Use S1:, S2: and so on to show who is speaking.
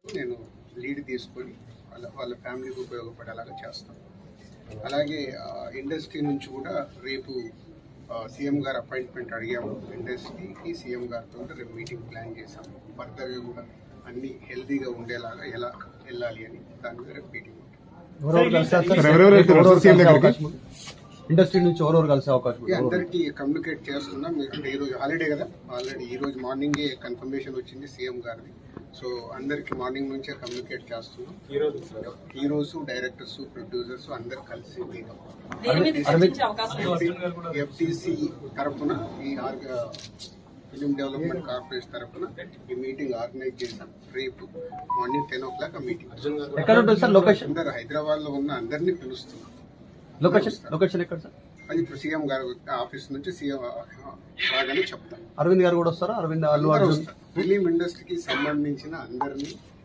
S1: నేను లీడ్ తీసుకొని వాళ్ళ ఫ్యామిలీకి ఉపయోగపడేలాగా చేస్తాను. అలాగే ఇండస్ట్రీ నుంచి కూడా రేపు సీఎం గారు అపాయింట్మెంట్ అడిగాము. ఇండస్ట్రీకి సీఎం గారితో రేపు మీటింగ్ ప్లాన్ చేశాము. ఫర్దర్గా కూడా అన్ని హెల్తీగా ఉండేలాగా ఎలా వెళ్ళాలి అని దాని మీద రేపు మీటింగ్
S2: ఇండస్ట్రీ నుంచి ఎవరెవరు కలిసే అవకాశం
S1: అందరికీ కమ్యూనికేట్ చేస్తున్నాం. అంటే ఈరోజు హాలిడే కదా, ఆల్రెడీ ఈరోజు మార్నింగే కన్ఫర్మేషన్ వచ్చింది సీఎం గారిది. సో అందరికి మార్నింగ్ నుంచే కమ్యూనికేట్ చేస్తున్నాం. హీరోస్, డైరెక్టర్స్, ప్రొడ్యూసర్స్ అందరు కలిసి ఎఫ్టీసీ తరఫున ఈ ఫిలిం డెవలప్మెంట్ కార్పొరేషన్ తరఫున ఈ మీటింగ్ ఆర్గనైజ్ చేశాం. రేపు మార్నింగ్ 10 o'clock మీటింగ్. అందరు హైదరాబాద్ లో ఉన్న అందరినీ పిలుస్తున్నాం.
S2: లొకేషన్ ఎక్కడ సార్?
S1: అది ఇప్పుడు సీఎం గారు ఆఫీస్ నుంచి సీఎం రాగానే చెప్తాం.
S2: అరవింద్ గారు కూడా వస్తారా? అరవింద్, అల్లు అర్జున్
S1: ఫిలిం ఇండస్ట్రీకి సంబంధించిన అందరినీ